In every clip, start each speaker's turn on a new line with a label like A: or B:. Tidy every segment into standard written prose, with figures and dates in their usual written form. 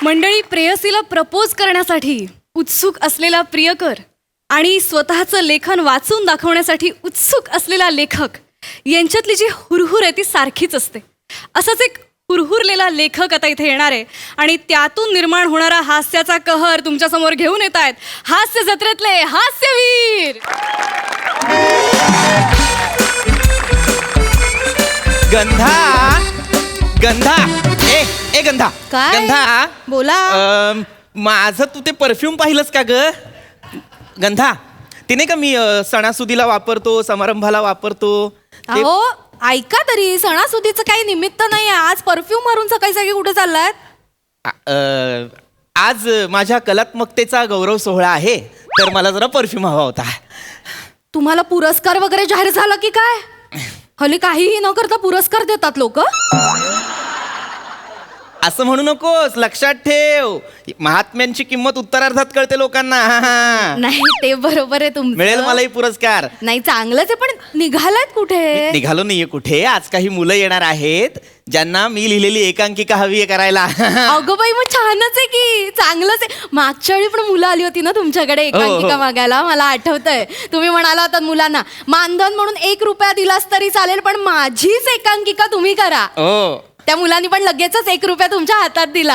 A: मंडळी, प्रेयसीला प्रपोज करण्यासाठी उत्सुक असलेला प्रियकर आणि स्वतःचं लेखन वाचून दाखवण्यासाठी उत्सुक असलेला लेखक यांच्यातली जी हुरहुर आहे ती सारखीच असते. असाच एक हुरहुरलेला लेखक आता इथे येणार आहे आणि त्यातून निर्माण होणारा हास्याचा कहर तुमच्यासमोर घेऊन येत आहेत हास्य जत्रेतले हास्यवीर.
B: गंधा गंधा ए गंधा
A: काय?
B: गंधा
A: बोला.
B: माझं तू ते परफ्यूम पाहिलंस का ग गंधा? तिने का मी सणासुदीला वापरतो, समारंभाला वापरतो ते.
C: अहो ऐका तरी, सणासुदीचं काही निमित्त नाही. आज परफ्यूम मारून सकाळी सकाळी कुठे चाललाय?
B: आज माझ्या कलात्मकतेचा गौरव सोहळा आहे, तर मला जरा परफ्यूम हवा होता.
C: तुम्हाला पुरस्कार वगैरे जाहीर झाला की काय? हल्ली काहीही न करता पुरस्कार देतात लोक.
B: असं म्हणू नकोस, लक्षात ठेव, महात्म्यांची किंमत उत्तरार्धात कळते लोकांना.
C: नाही ते बरोबर आहे तुमचं.
B: मिळेल मलाही पुरस्कार.
C: नाही चांगलंच आहे, पण निघालात कुठे?
B: निघालो नाहीये कुठे. आज काही मुलं येणार आहेत ज्यांना मी लिहिलेली एकांकिका हवी आहे करायला.
C: अगं बाई, मग छानच आहे की, चांगलंच आहे. मागच्या वेळी पण मुलं आली होती ना तुमच्याकडे एकांकिका मागायला, मला आठवतंय. तुम्ही म्हणाला होता मुलांना मानधन म्हणून 1 रुपया दिलास तरी चालेल, पण माझीच एकांकिका तुम्ही करा. त्या मुलांनी पण लगेचच 1 रुपया तुमच्या हातात दिला.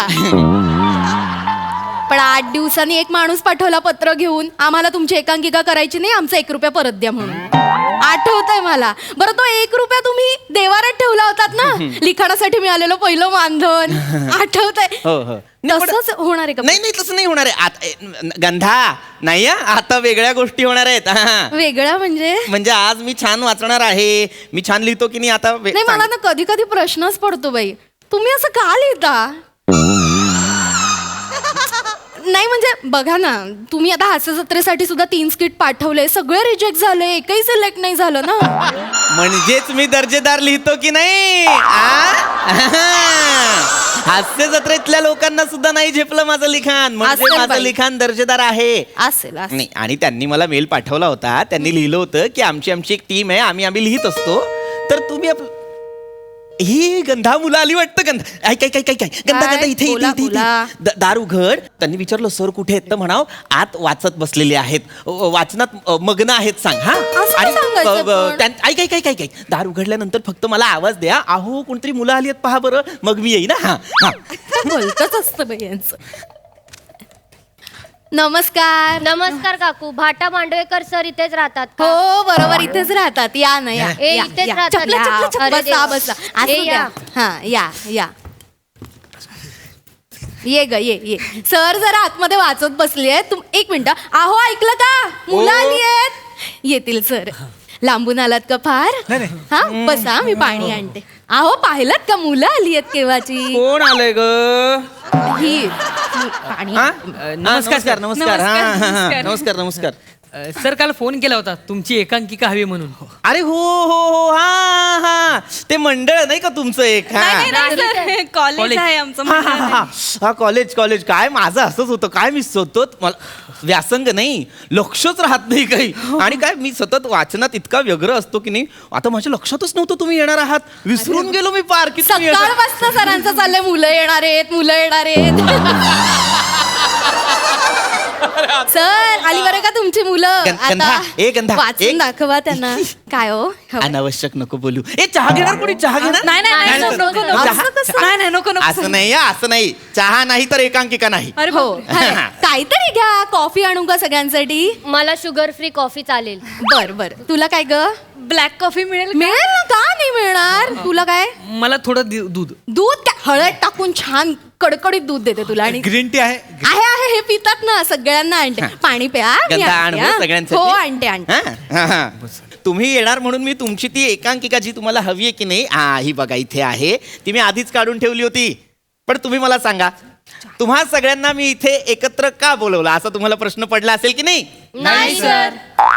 C: पण 8 दिवसांनी एक माणूस पाठवला पत्र घेऊन, आम्हाला तुमची एकांकिका करायची नाही, आमचा 1 रुपया परत द्या म्हणून. आठवतंय मला. बरं, तो 1 रुपया तुम्ही देवारात ठेवला होतात ना, लिखाणासाठी मिळालेलं पहिलं मानधन. आठवतंय? तसंच होणार आहे का?
B: नाही तसं नाही होणार आहे. गंधा नाही, आता वेगळ्या गोष्टी होणार आहेत.
C: वेगळं म्हणजे
B: आज मी छान वाचणार आहे, मी छान लिहितो की नाही आता.
C: नाही, मला ना कधी कधी प्रश्नच पडतो बाई, तुम्ही असं का लिहिता? नाही म्हणजे बघा ना, तुम्ही आता हास्य जत्रेसाठी सुद्धा 3 स्किट पाठवले, सगळे रिजेक्ट झाले, एकही सिलेक्ट नाही झालं ना.
B: म्हणजेच मी दर्जेदार लिहितो की नाही? हास्य जत्रेतल्या लोकांना सुद्धा नाही झेपलं माझं लिखाण, म्हणजे माझं लिखाण दर्जेदार आहे.
C: असेल
B: नाही. आणि त्यांनी मला मेल पाठवला होता, त्यांनी लिहिलं होतं की आमची एक टीम आहे, आम्ही लिहित असतो, तर तुम्ही ही गंधा मुलं आली वाटतं. गंधा ऐक गंधा इथे दार उघड. त्यांनी विचारलं सर कुठे आहेत, तर म्हणाव आत वाचत बसलेले आहेत, वाचनात मग्न आहेत, सांग. ऐक दार उघडल्यानंतर फक्त मला आवाज द्या, अहो कोणतरी मुलं आली आहेत पहा बरं, मग मी येईन.
C: बोलतच असतं बाई यांचं. नमस्कार.
D: नमस्कार काकू. भाटा मांडवेकर सर इथेच राहतात का?
C: हो बरोबर, इथेच राहतात. या ना, या
D: इथेच राहतात.
C: बसा बसा. हा या ये ग ये. सर जरा आतमध्ये वाचत बसली आहे. 1 मिनिट. अहो ऐकलं का, मुलं आली आहेत. येतील सर. लांबून आलात का फार? हा बसा, मी पाणी आणते. अहो पाहिलात का, मुलं आली आहेत केव्हाची.
B: कोण आलंय ग?
C: ही पाणी.
B: नमस्कार. नमस्कार.
E: सर काल फोन केला होता, तुमची एकांकिका हवी म्हणून.
B: अरे हो हा ते मंडळ नाही का तुमचं एक?
A: कॉलेज आहे आमचं.
B: हा कॉलेज. काय माझं असंच होतं, काय मी सतत, मला व्यासंग नाही, लक्षच राहत नाही काही. आणि काय मी सतत वाचनात इतका व्यग्र असतो की नाही, आता माझ्या लक्षातच नव्हतं तुम्ही येणार आहात. विसरून गेलो मी पार की
C: सकाळपासून सरांचं चाललंय मुलं येणार आहेत. सर आली बरं का तुमची मुलं.
B: गंधा
C: वाचून दाखवा त्यांना. काय हो,
B: अनावश्यक नको बोलू. चहा घेणार कोणी? चहा घेणार?
A: नको.
B: असं नाही. चहा नाही तर एकांकिका नाही.
C: हो काहीतरी घ्या. कॉफी आणू का सगळ्यांसाठी?
D: मला शुगर फ्री कॉफी चालेल.
C: बर. तुला काय ग?
A: ब्लॅक कॉफी मिळेल
C: ना? का नाही मिळणार? तुला काय?
E: मला थोडं दूध
C: काय हळद टाकून छान कडकडीत दूध देते तुला. आणि
B: ग्रीन टी आहे?
C: हे पितात ना, सगळ्यांना आणते. पाणी प्या. हो आणते.
B: तुम्ही येणार म्हणून मी तुमची ती एकांकिका जी तुम्हाला हवी आहे की नाही, ही बघा इथे आहे. ती मी आधीच काढून ठेवली होती. पण तुम्ही मला सांगा, तुम्हा सगळ्यांना मी इथे एकत्र का बोलवलं, असा तुम्हाला प्रश्न पडला असेल की नाही?
D: नाही सर.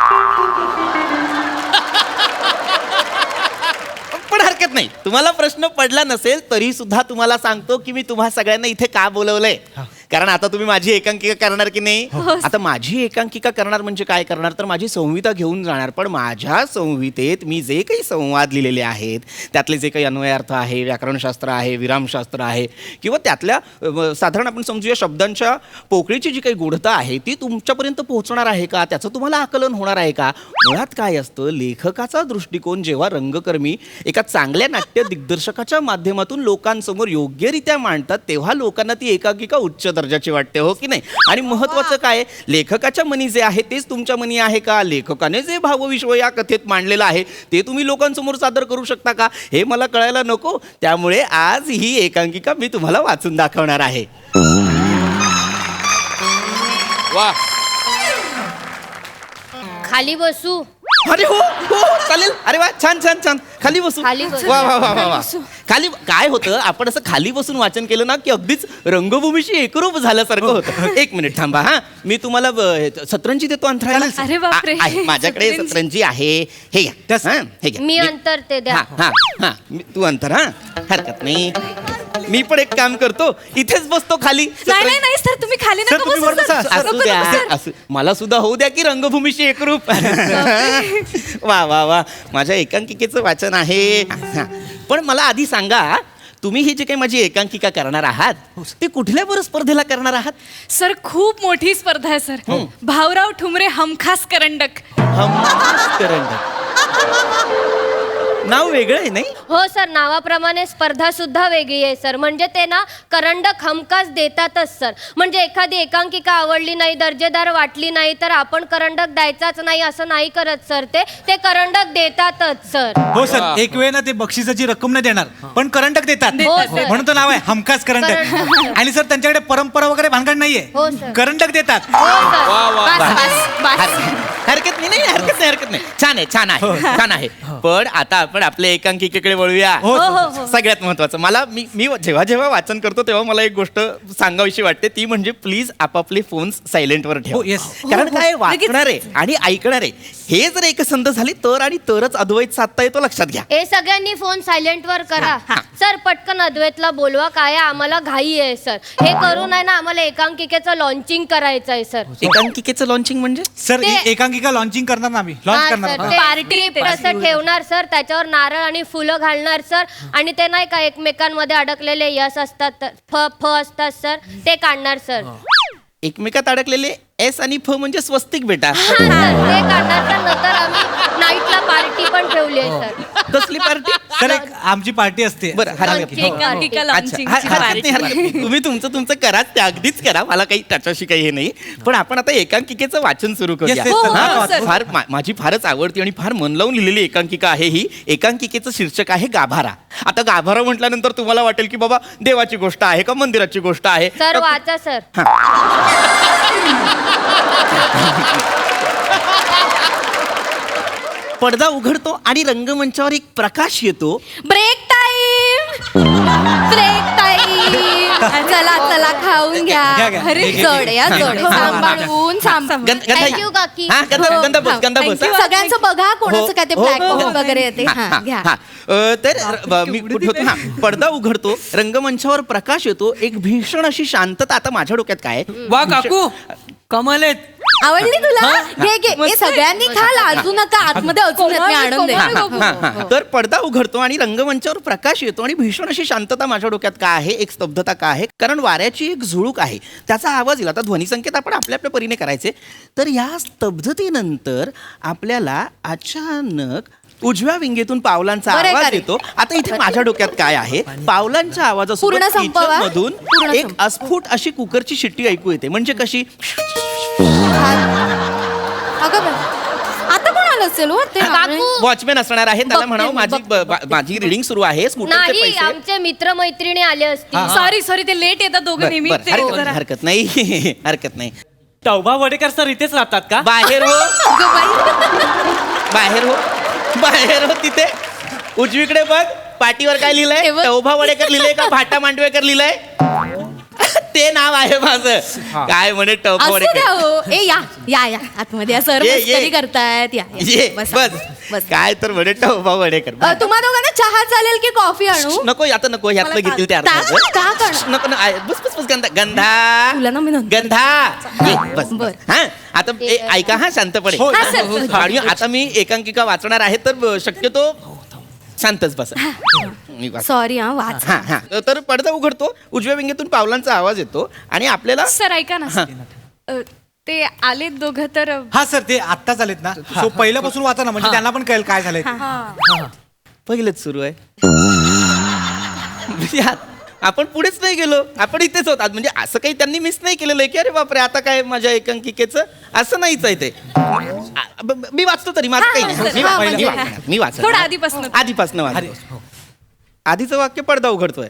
B: पण हरकत नाही, तुम्हाला प्रश्न पडला नसेल तरी सुद्धा तुम्हाला सांगतो की मी तुम्हा सगळ्यांना इथे का बोलवलंय. कारण आता तुम्ही माझी एकांकिका करणार की नाही. आता माझी एकांकिका करणार म्हणजे काय करणार, तर माझी संहिता घेऊन जाणार. पण माझ्या संहितेत मी जे काही संवाद लिहिलेले आहेत, त्यातले जे काही अन्वयार्थ आहे, व्याकरणशास्त्र आहे, विरामशास्त्र आहे, किंवा त्यातल्या साधारण आपण समजूया शब्दांच्या पोकळीची जी काही गूढता आहे ती तुमच्यापर्यंत पोहोचणार आहे का, त्याचं तुम्हाला आकलन होणार आहे का. मुळात काय असतं, लेखकाचा दृष्टिकोन जेव्हा रंगकर्मी एका चांगल्या नाट्य दिग्दर्शकाच्या माध्यमातून लोकांसमोर योग्यरित्या मांडतात, तेव्हा लोकांना ती एकांकिका उच्च दर्जाची वाटते, हो की नाही. आणि महत्वाचं काय, लेखकाच्या मनी जे आहे तेच तुमच्या मनी आहे का, लेखकाने जे भावविश्व या कथेत मांडलेलं आहे ते तुम्ही लोकांसमोर सादर करू शकता का, हे मला कळायला नको. त्यामुळे आज ही एकांकिका मी तुम्हाला वाचून दाखवणार आहे.
F: वा,
D: खाली बसू.
B: अरे हो हो चालेल. अरे वा, छान छान छान. खाली बसू.
D: खाली बसू.
B: वा वा वा वा वा. खाली काय होतं, आपण असं खाली बसून वाचन केलं ना की अगदीच रंगभूमीशी एकरूप झाल्यासारखं होतं. एक मिनिट थांबा. हा, मी तुम्हाला सतरंजी देतो अंतराळाला.
A: अरे बापरे.
B: आहे, माझ्याकडे सतरंजी आहे. हे घ्या. हा, हे घ्या.
D: मी अंतर ते द्या.
B: हा हा हा, तू अंतर. हा, हरकत नाही. मी पण एक काम करतो, इथेच बसतो खाली.
A: नाही नाही नाही सर, तुम्ही खाली नका बसू सर.
B: असू
A: नको,
B: द्या,
A: नको, सर.
B: असू. मला सुद्धा होऊ द्या की रंगभूमीशी एकरूप. वा वा वा, माझ्या एकांकिकेचं वाचन आहे. हा. पण मला आधी सांगा, तुम्ही ही जी काही माझी एकांकिका करणार आहात ते कुठल्या बरं स्पर्धेला करणार आहात.
A: सर खूप मोठी स्पर्धा आहे सर. भाऊराव ठुमरे हमखास करंडक.
B: हमखास करंडक. नाव वेगळं आहे नाही.
D: हो सर, नावाप्रमाणे स्पर्धा सुद्धा वेगळी आहे सर. म्हणजे ते ना करंडक हमखास देतातच सर. म्हणजे एखादी एकांकिका आवडली नाही, दर्जेदार वाटली नाही, तर आपण करंडक द्यायचाच नाही असं नाही करत सर. ते करंडक देतातच सर.
G: हो सर, एक वेळ ना ते बक्षिसाची रक्कम नाही देणार, पण करंटक देतात.
D: हो, सर.
G: म्हणून तो नाव आहे हमखास करंटक. आणि सर त्यांच्याकडे परंपरा वगैरे भानगड नाहीये,
D: हो, सर.
G: करंटक देतात.
D: हो सर.
F: वा वा.
B: हरकत नाही नाही, हरकत नाही, हरकत नाही. छान आहे, छान आहे, छान आहे. पण आता आपण आपल्या एकांकिकेकडे वळूया.
G: हो,
B: सगळ्यात महत्वाचं, मला मी जेव्हा जेव्हा वाचन करतो तेव्हा मला एक गोष्ट सांगावीशी वाटते, ती म्हणजे प्लीज आपापले फोन्स सायलेंटवर ठेवा.
G: हो, yes.
B: कारण काय, वाचणारे आणि ऐकणारे हे जर एकसंध झाली तर आणि तरच अद्वैत साधता येतो, लक्षात घ्या.
D: हे सगळ्यांनी फोन सायलेंट वर करा. सर पटकन अद्वैतला बोलवा, काय आहे, आम्हाला घाई आहे सर. हे करून आहे ना आम्हाला एकांकिकेचं लॉन्चिंग करायचं आहे सर.
B: एकांकिकेचं लॉन्चिंग म्हणजे
G: सर
D: ते-
G: एकांकिका लॉन्चिंग करणार ना आम्ही, लॉन्च करणार.
D: पार्टी असं ठेवणार सर, त्याच्यावर नारळ आणि फुलं घालणार सर. आणि ते नाही का एकमेकांमध्ये अडकलेले यश असतात फ असतात सर, ते काढणार सर.
B: एकमेकात अडकलेले एस आणि फ म्हणजे स्वस्तिक बेटा.
D: हा, सर, ते काढणार सर. नंतर आम्ही नाईटला पार्टी पण ठेवली आहे सर.
B: कसली पार्टी.
G: सर एक आमची पार्टी असते.
B: बरं, हरकत
D: Launching.
B: नाही.
A: एकांकिका
B: अच्छा,
A: लॉन्चिंगची
B: हरकत नाही,
A: पार्टी.
B: हरकत नाही. तुम्ही तुमचं करा, ते अगदीच करा, मला काही त्याच्याशी काही हे नाही. पण आपण आता एकांकिकेचं वाचन सुरू करूया.
G: Yes, yes,
A: हो,
B: हा,
A: हो, सर.
B: माझी फारच आवडती आणि फार मन लावून लिहिलेली एकांकिका आहे ही. एकांकिकेचं शीर्षक आहे गाभारा. आता गाभारा म्हटल्यानंतर तुम्हाला वाटेल की बाबा देवाची गोष्ट आहे का मंदिराची गोष्ट आहे.
D: सर वाचा सर.
B: पडदा उघडतो आणि रंगमंचावर एक प्रकाश येतो.
C: Break time, break time. चला चला खाऊन घ्या.
G: घ्या.
C: अरे जड या जड, सांभाळून सांभाळून.
D: Thank you, काकी.
B: हा, गंध बस.
C: Thank you. सगळ्यांचं बघा कोणाचं काय ते
B: हो,
C: ब्लॅक
B: हो,
C: बॉक्स
B: हो.
C: वगैरे येते. हा घ्या.
B: तर मी कुठे होतो. हा, पडदा उघडतो, रंगमंचावर प्रकाश येतो, एक भीषण अशी शांतता. आता माझ्या डोक्यात काय आहे?
E: वा काकू, कमाल आहेत.
C: आवडली तुला? घे घे. हे सगळ्यांनी खा, लाजू नका. आतमध्ये अजून आहेत, मी आणून देते.
B: तर पडदा उघडतो आणि रंगमंचावर प्रकाश येतो आणि भीषण अशी शांतता माझ्या डोक्यात का आहे, एक स्तब्धता का आहे, कारण वाऱ्याची एक झुळूक आहे, त्याचा आवाज येईल. आता ध्वनिसंकेत आपण आपल्या आपल्या परीने करायचे. तर या स्तब्धतेनंतर आपल्याला अचानक उजव्या विंगेतून पावलांचा
C: बरं,
B: आवाज
C: खरं.
B: येतो. आता इथे माझ्या डोक्यात काय आहे, पावलांच्या
C: पूर्ण
B: आवाजासोबत
C: संपवा.
B: मधून
C: पूर्ण
B: एक
C: संपवा.
B: अस्फुट अशी कुकरची शिट्टी ऐकू येते. म्हणजे कशी,
C: अगं बाई, आता कोण आलं असेल हो ते?
D: काकू
B: वॉचमॅन असणार आहे, त्याला
C: बघते
B: म्हणावं
C: मी,
B: माझी रिडिंग सुरू आहे, स्कूटरचे
D: नाही,
B: पैसे.
D: आमचे मित्र मैत्रिणी आले असतील.
A: सॉरी सॉरी, ते लेट येतात दोघं
B: बरं,
A: नेहमी.
B: बरं,
A: ते
B: हरकत
A: जरा-
B: नाही, हरकत नाही. हरकत नाही.
E: टौबा वडेकर सर इथेच राहतात का?
B: बाहेर हो,
C: अगं बाई.
B: बाहेर हो, बाहेर हो. तिथे उजवीकडे बघ, पाटीवर काय लिहिलंय,
C: हे बघ.
B: टौभा वडेकर लिहिलंय का भाटा मांडवेकर लिहिलंय. ते नाव आहे माझं. काय म्हणे टौभा
C: असू द्या
B: वडेकर.
C: हो. ए या या या आतमध्ये या. सर
B: ये, ये.
C: मस्करी करतायत. या
B: ये
C: बसा.
B: बस.
C: बस.
B: काय तर वडेट्टा उभा वडेकर
C: तुम्हा दोघांना चहा चालेल की कॉफी आणू
B: नको आता नको ह्यातलं घेतील ते
C: का करणार?
B: नको ना बस बस बस गंधा
C: तुला ना मी नंतर-
B: गंधा ये, बस
C: बर.
B: हा आता ऐका हा शांतपणे
G: हो,
C: हा, सर.
B: आणि आता मी एकांकिका वाचणार आहे तर शक्यतो शांतच बस मी वाच-
C: सॉरी हा वाच
B: हा हा तर पडदा उघडतो उजव्या विंगेतून पावलांचा आवाज येतो आणि आपल्याला
A: सर ऐका ना
B: हा.
A: ते आलेत दोघं तर
G: हा सर ते आत्ताच आलेत ना सो पहिल्यापासून वाचा ना म्हणजे त्यांना पण कळेल काय झालंय ते.
B: पहिलेच सुरू आहे म्हणजे आपण पुढेच नाही गेलो आपण इथेच होत म्हणजे असं काही त्यांनी मिस नाही केलेलं आहे की अरे बापरे आता काय माझ्या एकांकिकेचं असं नाहीच आहे ते मी वाचतो तरी माझं काही नाही मी
C: हा,
B: वा-
C: म्हणजे-
B: मी वाचतो
A: थोडं आधीपासून.
B: आधीपासून वाचतो आधीचं वाक्य पडदा उघडतोय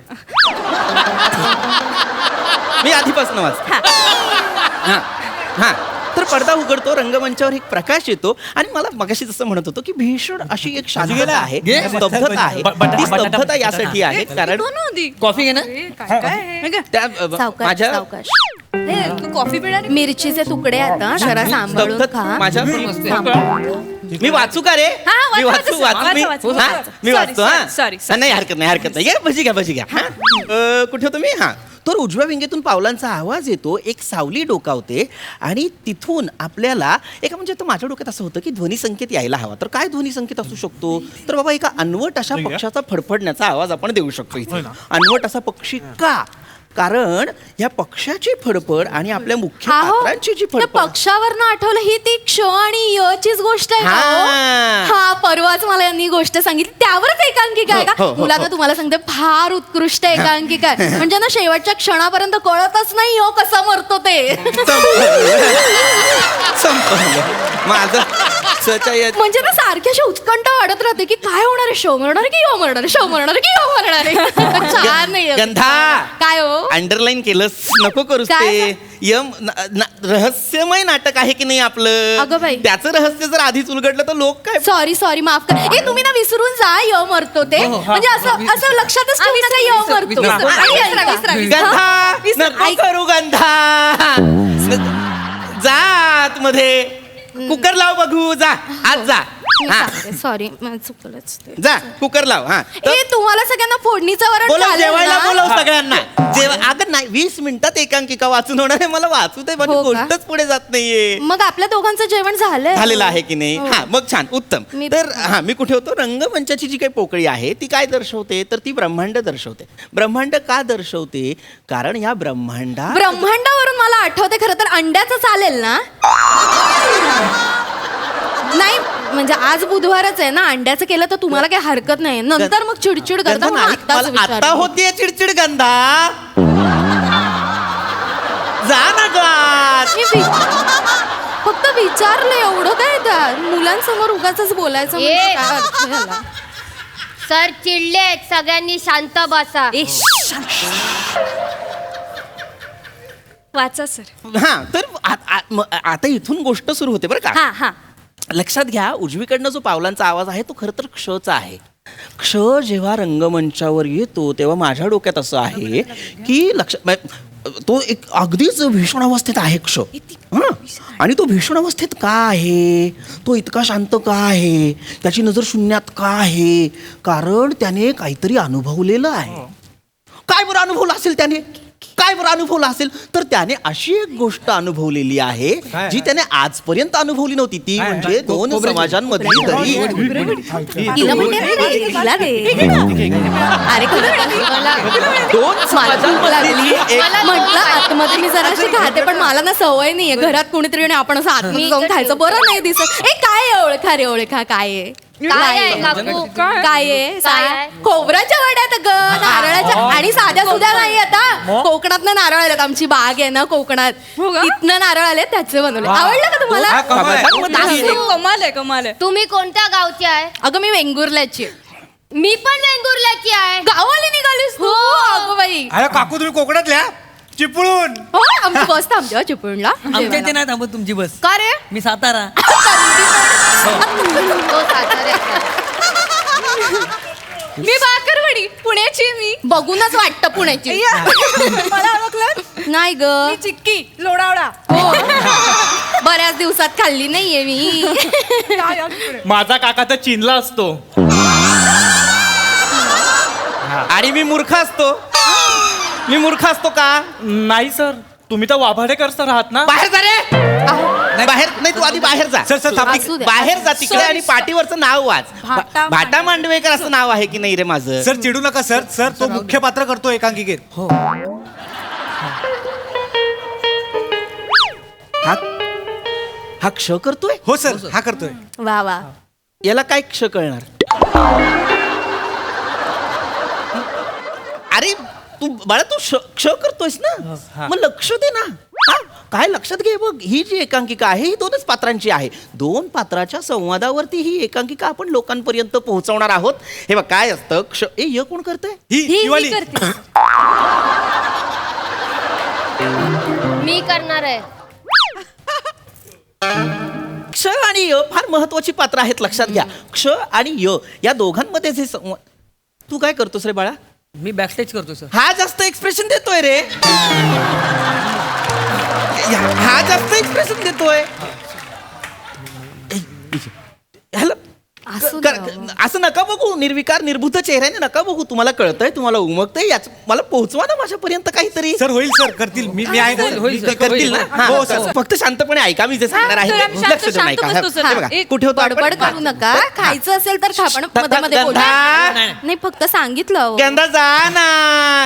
B: मी आधीपासून वाचतो हा हा तर पडदा उघडतो रंगमंचावर एक प्रकाश येतो आणि मला मगाशी जसं म्हणत होतो की भीषण अशी एक शांतता आहे
E: घे.
B: स्तब्धता आहे ती स्तब्धता यासाठी आहे कारण
E: कॉफी घे ना
B: त्या
C: सावकाश
B: माझ्या
C: सावकाश
A: तू कॉफी पिणार आहे?
C: मिरचीचे तुकडे आता जरा सांभाळून
B: स्तब्धता
C: खा
B: माझ्या मी वाचू का रे
A: हा,
B: मी
A: वाचा,
B: वाचू
A: वाचा,
B: वाचू मी
A: वाचा, वाचा,
B: हा,
A: वाचा.
B: मी
A: Sorry,
B: वाचतो हा
A: sorry, sorry.
B: नाही हरकत नाही भजी घ्या हा कुठे होतो मी हा तर उजव्या विंगेतून पावलांचा आवाज येतो एक सावली डोकावते आणि तिथून आपल्याला एका म्हणजे तर माझ्या डोक्यात असं होतं की ध्वनी संकेत यायला हवा तर काय ध्वनी संकेत असू शकतो तर बाबा एका अनवट अशा पक्षाचा फडफडण्याचा आवाज आपण देऊ शकतो इथे अनवट असा पक्षी का कारण या पक्षाची फडफड आणि आपल्या मुख्य पात्रांची जी
C: त्या
B: फडफड
C: पक्षावरनं आठवलं ही ती क्ष आणि यचीच गोष्ट आहे का हो?
B: हा.
C: हा परवाच मला यांनी गोष्ट सांगितली त्यावरच एकांकिका आहे
B: हो,
C: का
B: हो, हो,
C: मुलांना तुम्हाला सांगते फार उत्कृष्ट एकांकिका आहे म्हणजे ना शेवटच्या क्षणापर्यंत कळतच नाही हो कसं मरतो ते
B: संपलं माझं सच्या या-
C: म्हणजे ना सारखी अशी उत्कंठा वाढत राहते की काय होणार आहे शो मरणार आहे की यो मरणार आहे शो मरणार आहे की यो मरणार आहे छान नाही
B: गंधा
C: काय हो
B: अंडरलाईन केलंस नको करूस
C: काय?
B: ते रहस्यमय नाटक आहे की नाही आपलं
C: अगं बाई.
B: त्याचं रहस्य जर आधीच उलगडलं तर लोक काय
C: सॉरी माफ कर ए तुम्ही ना विसरून जा य मरतो ते म्हणजे असं लक्षातच ठेवू नका य मरतो
E: विसरा.
C: आणि विसरा.
B: गंधा नको करू गंधा जा आतमध्ये कुकर लाव बघू जा आज जा हा
C: सॉरी चुकलंच ते.
B: जा कुकर लाव हा
C: ए तुम्हाला सगळ्यांना फोडणीचं वरण
B: बोलव
C: चालेल
B: जेवायला
C: ना?
B: बोलव सगळ्यांना अगं नाही 20 मिनिटात एकांकिका वाचून होणार आहे मला वाचू दे माझी
C: हो का?
B: गोष्टच पुढे जात नाहीये
C: मग आपल्या दोघांचं जेवण झालंय
B: झालेलं आहे की नाही
C: हो.
B: हा मग छान उत्तम
C: मी-
B: तर हा मी कुठे होतो रंगमंचाची जी काही पोकळी आहे ती काय दर्शवते तर ती ब्रह्मांड दर्शवते ब्रह्मांड का दर्शवते कारण या
C: ब्रह्मांडावरून मला आठवते खरं तर अंड्याचं चालेल ना नाही म्हणजे आज बुधवारच आहे ना अंड्याचं केलं तर तुम्हाला काही हरकत नाही नंतर मग चिडचिड करता
B: गंधा
C: म्हणून
B: नाही,
C: आत्ताच
B: मला आता
C: विचारलं.
B: होतीये चिडचिड गंधा जा ना गात
C: मी फक्त विचारलं एवढं काय त्या मुलांसमोर उगाच बोलायचं म्हणजे
D: ए.
C: काय अर्थ झाला?
D: सर चिडलेत सगळ्यांनी शांत बसा
C: ए,
A: वाचा सर
B: हा तर आता इथून गोष्ट सुरू होते बरं का
A: हा हा
B: लक्षात घ्या उजवीकडनं जो पावलांचा आवाज आहे तो खरं तर क्षचा आहे क्ष जेव्हा रंगमंचावर येतो तेव्हा माझ्या डोक्यात असं आहे की तो एक अगदीच भीषण अवस्थेत आहे क्ष हं? आणि तो भीषण अवस्थेत का आहे तो इतका शांत का आहे त्याची नजर शून्यात का आहे कारण त्याने काहीतरी अनुभवलेलं आहे काय बरं अनुभवलं असेल त्याने काय बरं अनुभवलं असेल तर त्याने अशी एक गोष्ट अनुभवलेली आहे जी त्याने आजपर्यंत अनुभवली नव्हती ती म्हणजे दोन समाजांमधली दरी
C: तिला म्हणते ना रे, तिला दे. अरे
B: दोन समाजांमधली एक
C: म्हटलं आतमध्ये मी जरा अशी खाते पण मला ना सवय नाहीये घरात कोणीतरी आणि आपण असं आतमध्ये जाऊन खायचं बरं नाही दिसत ए काय आहे ओळखा रे ओळखा काय आहे
D: काय आहे काकू
C: काय आहे
D: काय आहे?
C: खोबऱ्याच्या वड्यात ग नारळाच्या आणि साध्या सुद्धा नाही आता कोकणात नारळ आलेत आमची बाग आहे ना कोकणात इथनं नारळ आले त्याचे बनवले आवडलं का
G: हा,
C: तुम्हाला
G: कमाल आहे.
B: समाजांमधली एक-
A: कमाल आहे कमाल आहे
D: तुम्ही कोणत्या गावची आहे
C: अगं मी वेंगुर्ल्याची आहे.
D: मी पण वेंगुर्ल्याची आहे
C: गावाला निघालीस तू अगं बाई
G: अरे काकू तुम्ही कोकणातल्या चिपळून
C: हो आमची बस थांबते हो चिपळूणला
E: आमच्या इथे नाही थांबत तुमची बस
C: का रे
E: मी सातारा
D: तो साताऱ्याचा आहे.
A: मी बाकरवडी पुण्याची मी
C: बघूनच वाटतं पुण्याची
A: मला ओळखलं
C: नाही ग
A: मी चिक्की लोणावळा
C: हो बऱ्याच दिवसात खाल्ली नाहीये मी.
F: माझा काका तर चीनला असतो.
B: आणि मी मूर्ख असतो. मी मूर्ख असतो का?
F: नाही सर, तुम्ही तर वाभाडेकर सर आहात ना.
B: बाहेर जा रे. बाहेर नाही, तू आधी बाहेर जा.
G: सर सर थांबा.
C: असू द्या.
B: बाहेर जा तिकडे आणि पाठीवरचं नाव वाच. भाटा मांडवेकर असं नाव आहे की नाही रे माझं?
G: सर चिडू नका सर. सर तो मुख्य पात्र करतो एकांकिकेत.
B: हा क्ष करतोय?
G: हो सर हा करतोय.
C: वा वा.
B: याला काय क्ष कळणार? अरे तू बाळा, तू क्ष करतोयस ना, मग लक्ष दे ना. हा, काय लक्षात घे बघ, ही जी एकांकिका आहे ही 2च पात्रांची आहे. 2 पात्राच्या संवादावरती ही एकांकिका आपण लोकांपर्यंत पोहोचवणार आहोत. हे बघ काय असतं, क्ष य कोण करतंय?
G: ही वाली.
C: करते.
D: मी करणार आहे.
B: क्ष आणि य फार महत्वाची पात्र आहेत, लक्षात घ्या. क्ष आणि य या दोघांमध्ये जे तू काय करतोस रे बाळा?
E: मी बॅकस्टेज करतो सर.
B: हा जास्त एक्सप्रेशन देतोय रे. हा जास्त एक्सप्रेशन देतोय. ह्याला
C: असू
B: कर-
C: द्या.
B: असं नका बघू, निर्विकार निर्भूत चेहऱ्याने नका बघू. तुम्हाला कळतंय, तुम्हाला उमगतंय, याच मला पोहोचवा ना माझ्यापर्यंत काहीतरी.
G: सर होईल सर करतील. मी आहे ना, सर.
E: होईल,
B: ते करतील ना? हा,
G: हो, सर.
B: फक्त शांतपणे ऐका, मी जे सांगणार आहे
A: सर, आम्ही शांत-
B: लक्ष देऊन ऐका.
A: शांत बसतो, सर.
B: हे बघा,
A: एक
B: कुठे होतो आपण?
C: बडबड करू नका. खायचं असेल तर खा, पण मध्ये मध्ये बोला.
B: गंधा,
C: नाही फक्त सांगितलं अहो.
B: गंधा जा ना,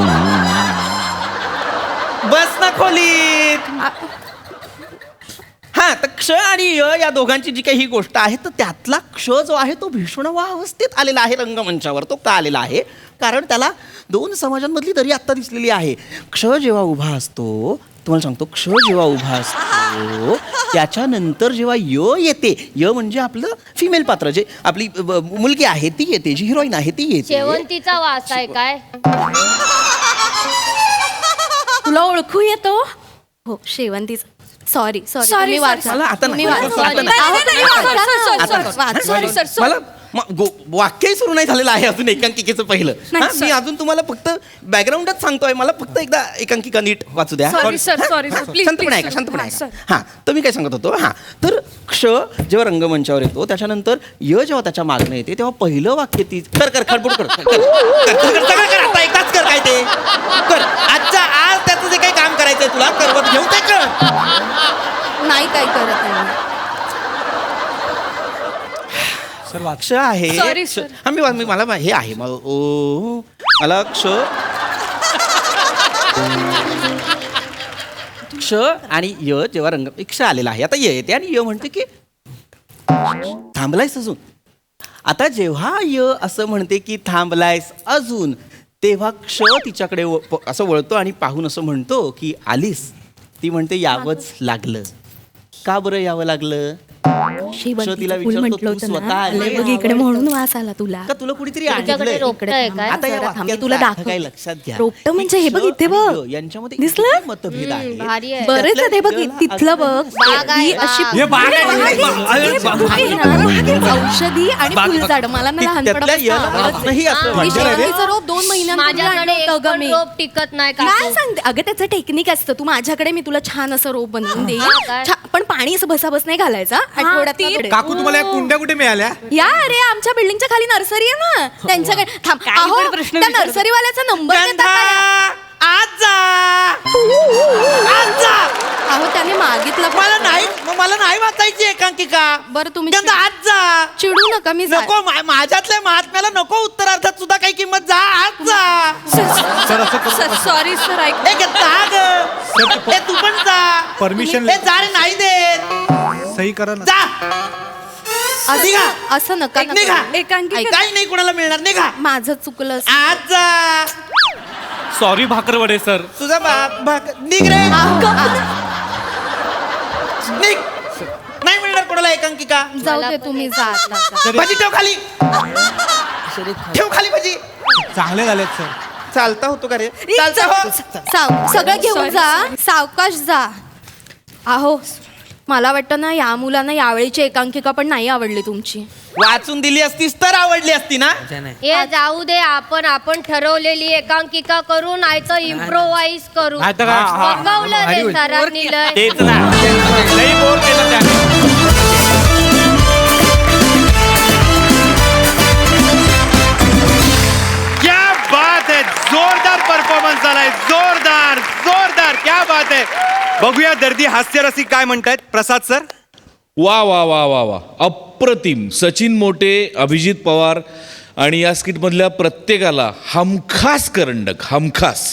B: बस ना खोलीत. हा, तर क्ष आणि य या दोघांची जी काही ही गोष्ट आहे, तर त्यातला क्ष जो आहे तो भीष्मवा अवस्थेत आलेला आहे रंगमंचावर. तो का आलेला आहे? कारण त्याला 2 समाजांमधली दरी आत्ता दिसलेली आहे. क्ष जेव्हा उभा असतो, तुम्हाला सांगतो, क्ष जेव्हा उभा असतो त्याच्यानंतर जेव्हा य येते, य म्हणजे आपलं फिमेल पात्र, जे आपली मुलगी आहे ती येते, जी हिरोईन आहे ती येते.
D: शेवंतीचा वास आहे काय?
C: तुला ओळखू येतो? हो शेवंतीच. सॉरी
A: Sorry,
C: तुम्ही
A: sir.
C: वाचा.
B: मला आता
C: तुम्ही
B: नाही.
C: वाचा.
B: आता
A: नाही, नाही, नाही,
C: वाचा
A: sir,
C: ना.
A: sir, sir,
C: आता
A: sir.
C: वाचा.
A: Sorry, sir, sorry.
B: मला वाक्यही सुरू नाही झालेलं आहे अजून एकांकिकेचं पहिलं.
A: नाही,
B: हा,
A: sir.
B: मी अजून तुम्हाला फक्त बॅकग्राऊंडच सांगतोय. मला फक्त एकदा एकांकिका नीट वाचू द्या.
A: Sorry, sir, sorry, sir. Please,
B: शांतपणे
A: please,
B: ऐका,
A: sir.
B: शांतपणे
A: हा,
B: ऐका.
A: sir.
B: हा, तर मी काय सांगत होतो, हा, तर क्ष जेव्हा रंगमंचावर येतो त्याच्यानंतर य जेव्हा त्याच्या मागणं येते तेव्हा पहिलं वाक्य ती कर खडबड कर सगळं कर, आता एकदाच कर. काय ते कर आज त्याचं जे काही काम करायचंय तुला करवत घेऊन ते कर.
C: नाही काय करत आहे.
G: सर वाच.
B: क्ष आहे.
A: Sorry,
B: क्ष-
A: sir.
B: हा, मी मला हे आहे मला क्ष क्ष आणि य जेव्हा रंग क्ष आलेला आहे, आता य येते आणि य म्हणते की थांबलायस अजून. आता जेव्हा य असं म्हणते की थांबलायस अजून, तेव्हा क्ष तिच्याकडे असं वळतो आणि पाहून असं म्हणतो की आलीस. ती म्हणते यावंच लागलं. का बरं यावं लागलं?
C: शेवंतीचं फुल
B: विचारतो,
C: म्हटलं
B: तू
C: होतं
B: स्वतः
C: ना.
B: आली
C: आलंय बघ इकडे म्हणून वास आला तुला.
B: का तुला कुणीतरी
D: तुमच्याकडे
B: आणलंय?
D: रोपटं आहे काय?
B: आता या
C: जरा थांब,
B: वाक्याचा
C: तुला
B: अर्थ
C: दाखव.
B: काय लक्षात घ्या.
C: रोपटं म्हणजे हे बघ इथे बघ.
B: क्ष यांच्यामध्ये
C: दिसलं?
B: इतके मतभेद आहे.
D: भारी आहे.
C: बरेच आहे ते बघ
B: त्यातल्या
C: तिथलं बघ.
D: बाग आहे,
C: ही अशी
D: बाग.
G: हे बाग आहे.
C: औषधी आणि फुलझाड मला ना
B: त्यातल्या याला अजूनही असं वाटतं.
C: शेवंतीचं रोप 2 महिन्यांपूर्वी
D: माझ्याकडे
C: आणलं
D: एक
C: होतं ग
D: पण
C: मी.
D: रोप टिकत नाही का?
C: काय सांगते अगं, त्याचं टेक्निक असतं. तू माझ्याकडे, मी तुला छान असं रोप बनवून देईन.
D: हा, काय?
C: पण पाणी असं बसाबस नाही घालायचा. आठवड्यात
G: काकू तुम्हाला या कुंड्या कुठे मिळाल्या?
C: या अरे आमच्या बिल्डिंगच्या खाली नर्सरी आहे ना, त्यांच्याकडे थांब. अहो,
A: पण प्रश्न
C: त्या
A: विचारतो.
C: नर्सरीवाल्याचा नंबर देता
B: गंधा,
C: का?
B: आज जा. आज जा.
C: अहो त्याने मागितला पण.
B: मला नाही वाचायची एकांकिका.
C: बरं तुम्ही
B: गंधा, आज जा.
C: चिडू नका. मी जा-
B: नको माझ्यातल्या महात्म्याला नको उत्तरार्थात सुद्धा काही किंमत. जा आज जा.
G: सर असं करू नका.
A: सॉरी सर ऐक
B: ए, गंधा, ग. ए, तू पण जा.
G: परमिशन
B: ए, जा रे, नाही देत.
G: सही करा ना.
B: जा. निघा.
C: असं नका ना
B: निघा.
C: करू.
A: एकांकिका
B: काही नाही कोणाला मिळणार. निघा.
C: माझं चुकलं असं.
B: आज जा.
F: Sorry Bhakarwade sir.
B: तुझा निघ रे. निघ. नाही मिळणार कोणाला एकांकिका.
C: जाऊ दे तुम्ही जा आता.
B: भाजी ठेव खाली. ठेव खाली भाजी.
G: चांगले झालेत सर.
B: चालता होतो का रे? चालता हो.
C: सगळं घेऊन जा, सावकाश जा. अहो मला वाटतं ना या मुलांना यावेळीची एकांकिका पण नाही आवडली तुमची.
B: वाचून दिली असतीस तर आवडली असती ना.
D: हे जाऊ दे, आपण ठरवलेली एकांकिका करू, नाही तर इम्प्रोवाइज करू.
G: नाहीतर काय? हा,
D: बघवलं
G: भारी
D: रे
G: होईल.
D: सरांनी लय.
F: तेच ना लई बोर केलं त्याने.
H: क्या बात है, जोरदार परफॉर्मन्स झालाय, जोरदार जोरदार, क्या बात है. बघूया दर्दी हास्यरसिक काय म्हणतायत. प्रसाद सर.
I: वा वा वा वा वा, अप्रतिम. सचिन मोटे, अभिजित पवार आणि या स्किटमधल्या प्रत्येकाला हमखास करंडक, हमखास.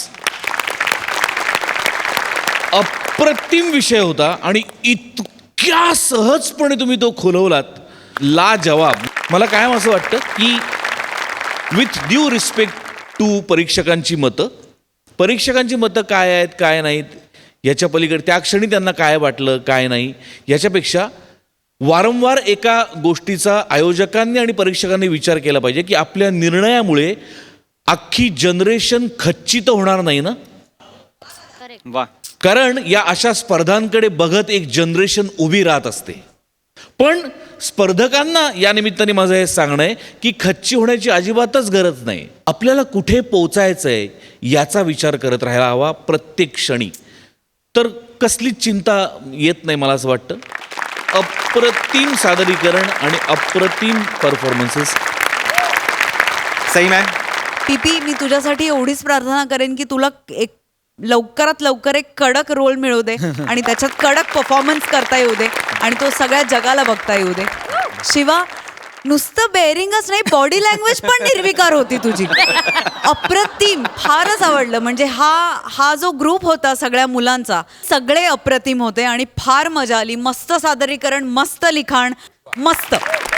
I: अप्रतिम विषय होता आणि इतक्या सहजपणे तुम्ही तो खुलवलात, लाजवाब. मला कायम असं वाटतं की विथ ड्यू रिस्पेक्ट टू परीक्षकांची मतं काय आहेत काय नाहीत याच्या पलीकडे त्या क्षणी त्यांना काय वाटलं काय नाही याच्यापेक्षा वारंवार एका गोष्टीचा आयोजकांनी आणि परीक्षकांनी विचार केला पाहिजे की आपल्या निर्णयामुळे अख्खी जनरेशन खच्चित होणार नाही ना.
F: वा.
I: कारण या अशा स्पर्धांकडे बघत एक जनरेशन उभी राहत असते. पण स्पर्धकांना या निमित्ताने माझं हे सांगणं आहे की खच्ची होण्याची अजिबातच गरज नाही. आपल्याला कुठे पोचायचं आहे याचा विचार करत राहायला हवा प्रत्येक क्षणी. तर कसलीच चिंता येत नाही मला असं वाटतं. अप्रतिम सादरीकरण आणि अप्रतिम परफॉर्मन्सेस.
H: सई मॅम.
J: टीपी, मी तुझ्यासाठी एवढीच प्रार्थना करेन की तुला एक लवकरात लवकर एक कडक रोल मिळू दे आणि त्याच्यात कडक परफॉर्मन्स करता येऊ दे आणि तो सगळ्या जगाला बघता येऊ दे. शिवा, नुसतं बेअरिंगच नाही, बॉडी लँग्वेज पण निर्विकार होती तुझी. अप्रतिम, फारच आवडलं. म्हणजे हा जो ग्रुप होता सगळ्या मुलांचा, सगळे अप्रतिम होते आणि फार मजा आली. मस्त सादरीकरण, मस्त लिखाण, मस्त.